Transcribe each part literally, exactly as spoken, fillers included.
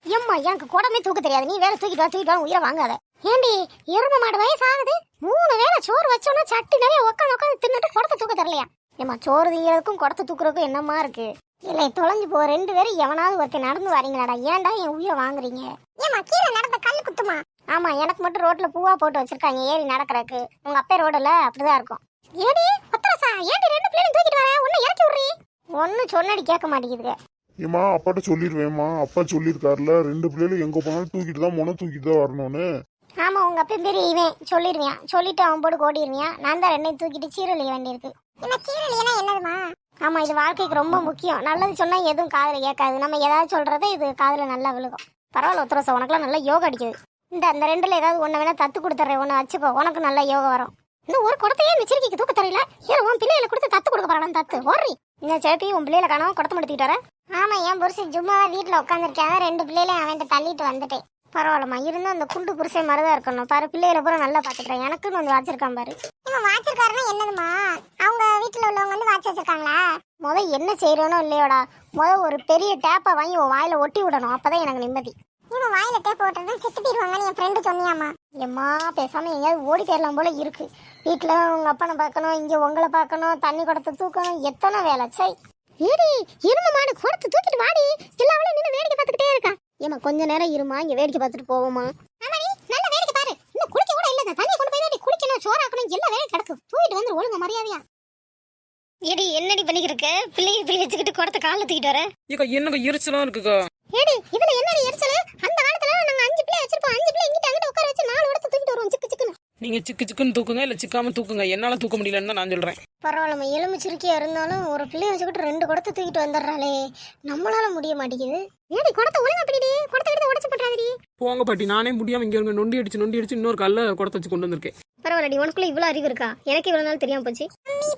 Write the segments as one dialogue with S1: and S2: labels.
S1: ஏம்மா எனக்கு குடமே தூக்க தெரியாது, நீ வேற தூக்கிட்டு வா தூக்கிட்டு வா உயிரை வாங்காத. ஏண்டி எரும மாடு வயசு ஆகுது, மூணு வேளை சோறு வச்சோன்னா சட்டி நிறைய உட்காந்து உட்காந்து தின்னுட்டு குடத்தை தூக்க தரலையா? ஏம்மா சோறு திங்கிறதுக்கும் குடத்தை தூக்குறதுக்கும் என்னமா இருக்கு? இல்லை தொலைஞ்சு போ, ரெண்டு பேரும் எவனாவது ஒருத்தர் நடந்து வரீங்களாடா, ஏன்டா என் உயிரை வாங்குறீங்க? ஏமா கீழே நடந்த கல் குத்துமா? ஆமா எனக்கு மட்டும் ரோட்ல பூவா போட்டு வச்சிருக்காங்க ஏறி நடக்கிறதுக்கு, உங்க அப்பா ரோடுல அப்படிதான் இருக்கும். ஏடி பத்திரசா, ஏடி ரெண்டு பிள்ளைங்க தூக்கிட்டு வர, ஒன்னு இறக்கி விடுறீ. ஒன்னு சொன்னடி கேட்க மாட்டேங்குதுங்க.
S2: ஏமா அப்பாட்ட சொல்லிடுவேம்மா, அப்பா சொல்லியிருக்காருல ரெண்டு பிள்ளைகளும் எங்க போனாலும் தூக்கிட்டு தான் மொன தூக்கிட்டு தான் வரணும்னு.
S1: ஆமா உங்க அப்பா பெரிய இவன் சொல்லிடுவியான், சொல்லிட்டு அவன் போட்டு ஓடிடுவியான். நான் தான் ரெண்டையும் தூக்கிட்டு சீரழிய வேண்டியிருக்கு. சீரழியனா என்னதுமா? ஆமா இது வாழ்க்கைக்கு ரொம்ப முக்கியம். நல்லது சொன்னா எதுவும் காதுல கேட்காது, நம்ம ஏதாவது சொல்றத இது காதுல நல்லா விழுகும். பரவாயில்ல உத்தரசா, உனக்குலாம் நல்லா யோகா அடிக்குது. இந்த அந்த ரெண்டுல ஏதாவது ஒண்ணு வேணா தத்து கொடுத்துறேன், ஒண்ணு வச்சுக்கோ, உனக்கு நல்லா யோகா வரும். இந்த ஒரு குடத்தையே இந்த சிறுக்கிக்கு தூக்க தெரியல, ஏன் உன் பிள்ளைகளை கொடுத்து தத்து கொடுக்க போறான் தத்து ஓடுறி. இந்த சேப்பி உன் பிள்ளைகளை காணாம குடத்தை எடுத்துக்கிட்டு வர. ஆமா என் புருஷன் சும்மா வீட்டுல உட்காந்துருக்காங்க, ரெண்டு பிள்ளைகளையும் அவன் தள்ளிட்டு வந்துட்டேன். பரவாயில்லம்மா, இருந்தா அந்த குண்டு புருஷன் மாதிரிதான் இருக்கணும் பாரு, பிள்ளைகளை பூரா நல்லா பாத்துக்கிறேன். எனக்குன்னு வந்து வாச்சிருக்கான் பாரு. இவன் வாச்சிருக்காருன்னா என்னதுமா? அவங்க வீட்டுல உள்ளவங்க வந்து வாட்சி வச்சிருக்காங்களா? முத என்ன செய்யறோனோ இல்லையோடா, முத ஒரு பெரிய டேப்பை வாங்கி உன் வாயில ஒட்டி விடணும், அப்பதான் எனக்கு நிம்மதி. இவன் வாயில டேப் ஓட்டுறது செத்து போயிடுவாங்கன்னு என் ஃப்ரெண்டு சொன்னியாமா? எம்மா பேசாம எங்கேயாவது ஓடி போயிடலாம் போல இருக்கு. வீட்டுல உங்க அப்பனை பார்க்கணும், இங்க உங்களை பார்க்கணும், தண்ணி குடத்தை தூக்கணும், எத்தனை வேலை. சை ஏடி இரும்பு மாடு குடத்தை தூக்கிட்டு வாடி, எல்லாவளையும் நின்று வேடிக்கை பார்த்துக்கிட்டே இருக்கா. ஏமா கொஞ்ச நேரம் இருமா, இங்க வேடிக்கை பார்த்துட்டு போவோமா? ஆமாடி நல்ல வேடிக்கை பாரு, இன்னும் குளிக்க கூட இல்ல, தண்ணியை கொண்டு போய் தான் குளிக்கணும், சோறாக்கணும், எல்லா வேலையும் கிடக்கு. தூக்கிட்டு வந்து ஒழுங்க மரியாதையா. ஏடி என்னடி பண்ணிக்கிருக்க? பிள்ளைங்க பிள்ளை வச்சுக்கிட்டு குடத்தை காலில் தூக்கிட்டு வர.
S3: ஏக்கா என்னங்க எரிச்சலா இருக்குக்கா.
S1: ஏடி இதுல என்னடி எரிச்சல்? அந்த காலத்துல நாங்க அஞ்சு பிள்ளை வச்சிருப்போம், அஞ்சு பிள்ளை இங்கிட்ட அங்கிட்ட உட்கார வச்சு நாலு இடத்த தூக்கிட்டு வருவோம் சிக்கு சிக்குன்னு.
S3: நீங்க சிக்கு சிக்குன்னு தூக்குங்க, இல்ல சிக்காம தூக்குங்க, என்னால தூக்க முடியலன்னு தான் நான் சொல்றேன்.
S1: பரவாயில்லம்மா, எலும்பு சிறுக்கியா இருந்தாலும் ஒரு பிள்ளைய வச்சுக்கிட்டு ரெண்டு குடத்தை தூக்கிட்டு வந்துடுறாளே, நம்மளால முடிய மாட்டேங்குது. ஏடி குடத்தை ஒழுங்கா பிடிடி, குடத்தை எடுத்து உடச்சு போட்டாதடி.
S3: போங்க பாட்டி, நானே முடியாம இங்க இருங்க நொண்டி அடிச்சு நொண்டி அடிச்சு இன்னொரு கால்ல குடத்தை வச்சு கொண்டு வந்திருக்கேன்.
S1: பரவாயில்லடி, உனக்குள்ள இவ்வளவு அறிவு இருக்கா? எனக்கு இவ்வளவு நாள் தெரியாம போச்சு.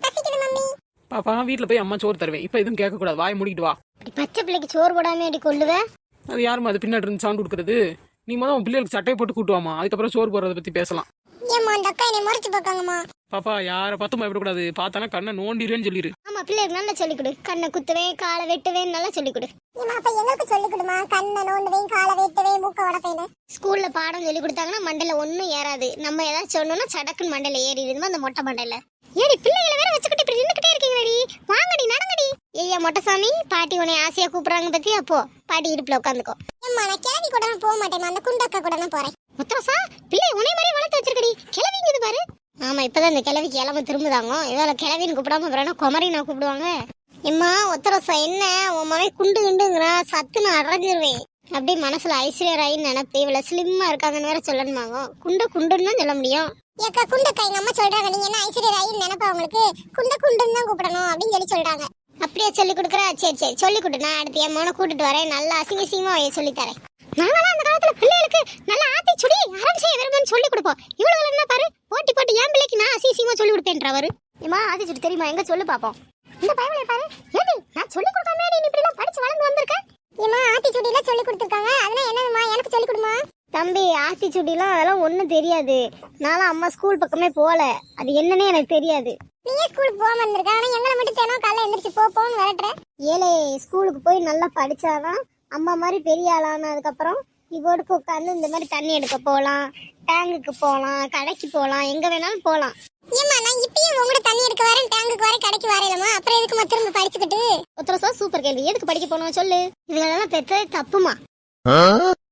S3: பாப்பா வீட்டுல போய் அம்மா சோறு தருவேன், இப்ப எதுவும் கேட்க கூடாது, வாய் மூடிட்டு வா.
S1: பச்சை பிள்ளைக்கு சோறு போடாம அடி கொள்ளுவேன்.
S3: அது யாருமா அது பின்னாடி இருந்து சவுண்ட் கொடுக்குறது? நீ முதல் உன் பிள்ளைகளுக்கு சட்டையை போட்டு கூட்டுவாமா, அதுக்கப்புறம் சோறு போடுறத பத்தி பேசலாம்.
S1: ஏம்மா அந்த அக்கா என்னை முறைச்சு பார்க்காங்கம்மா.
S3: பாப்பா யாரை பார்த்தும் பயப்படக்கூடாது, பார்த்தானா கண்ணை நோண்டிடுவேன்னு சொல்லிடு.
S1: ஆமா பிள்ளைக்கு நல்லா சொல்லிக் கொடு, கண்ணை குத்துவேன் காலை வெட்டுவேன் நல்லா சொல்லிக் கொடு. எங்களுக்கு சொல்லிக் கொடுமா, கண்ணை நோண்டுவேன் காலை வெட்டுவேன் மூக்க உடப்பேன். ஸ்கூல்ல பாடம் சொல்லி கொடுத்தாங்கன்னா மண்டையில ஒன்னும் ஏறாது, நம்ம ஏதாவது சொன்னோம்னா சடக்குன்னு மண்டையில ஏறிடுமா அந்த மொட்டை மண்டையில. ஏடி பிள்ளைகளை வேற வச்சுக்கிட்டு இப்படி நின்னுக்கிட்டே இருக்கீங்களடி, வாங்கடி நடங்கடி. ஏய்யா மொட்டைசாமி, பாட்டி உன்னை ஆசையா கூப்பிடுறாங்க பத்தி, அப்போ பாட்டி இடுப்புல உட்காந்துக்கோ. ஏம்மா நான் கிளவி கூட போக மாட்டேன், அந்த குண்டக்கா கூட தான் போறேன். முத்தரசா பிள்ளை உன்னை மாதிரி வளர்த்து வச்சிருக்கடி, கிளவிங்க இது பாரு. ஆமா இப்பதான் இந்த கிளவிக்கு இளம திரும்புதாங்க, இதால கிளவின்னு கூப்பிடாம அப்புறம் குமரி நான் கூப்பிடுவாங்க. எம்மா ஒத்தரசா என்ன உன் மகன் குண்டு குண்டுங்கிறா, சத்து நான் அடைஞ்சிருவேன். அப்படி மனசுல ஐஸ்வர்யாயின்னு நினைப்பு, இவ்வளவு ஸ்லிம்மா இருக்காங்கன்னு வேற சொல்லணுமாங்க. குண்டு குண்டுன்னு தான் சொல்ல முடியும். ஏக்கா குண்டக்கா எங்க அம்மா சொல்றாங்க, நீங்க என்ன ஐஸ்வர்யாயின்னு நினைப்பா உங்களுக்கு, குண்ட குண்டுன்னு தான் கூப்பிடணும் அப்படின்னு சொல்லி சொல்றாங்க. அப்படியே சொல்லி கொடுக்குறா? சரி சரி சொல்லி கொடு, நான் அடுத்து என் மோனை கூட்டிட்டு வரேன், நல்லா அசிங்க அசிங்கமா சொல்லி தரேன். நாங்களாம் அந்த காலத்துல பிள்ளைகளுக்கு நல்லா ஆத்தி சுடி அறம் செய்ய விரும்புன்னு சொல்லி கொடுப்போம். இவ்வளவு என்ன பாரு போட்டி போட்டு என் பிள்ளைக்கு நான் அசிங்கமா சொல்லி கொடுப்பேன்றவரு. ஏமா ஆத்தி சுடி தெரியுமா, எங்க சொல்லு பாப்போம். இந்த பைபிளை பாரு, ஏடி நான் சொல்லி கொடுக்காம நீ இப்படி எல்லாம் படிச்சு வளர்ந்து வந்திருக்க. ஏமா ஆத்தி சுடிலாம் சொல்லி கொடுத்துருக்காங்க, அதெல்லாம் என்னதுமா எனக்கு சொல்லி கொடுமா. தம்பி ஆத்தி சுடிலாம் அதெல்லாம் ஒன்றும் தெரியாது, நானும் அம்மா ஸ்கூல் பக்கமே போகல, அது என்னன்னே எனக்கு தெரியாது. நீயே ஸ்கூலுக்கு போகாம இருந்திருக்க, ஆனால் எங்களை மட்டும் தினம் காலைல எந்திரிச்சு போ போன்னு விரட்டுற. ஏழை ஸ்கூலுக்கு போய் நல்லா படிச்சாதான் அம்மா மாதிரி பெரிய ஆளானதுக்கப்புறம் இவோடுக்கு உட்காந்து இந்த மாதிரி தண்ணி எடுக்க போகலாம், டேங்குக்கு போகலாம், கடைக்கு போகலாம், எங்கே வேணாலும் போகலாம். ஏமா நான் இப்பயும் உங்களோட தண்ணி எடுக்க வரேன், டேங்குக்கு வரேன், கடைக்கு வரேலமா, அப்புறம் எதுக்குமா திரும்ப படிச்சுக்கிட்டு. ஒருத்தர சூப்பர் கேள்வி, எதுக்கு படிக்க போனோம் சொல்லு. இதெல்லாம் பெற்றது தப்புமா.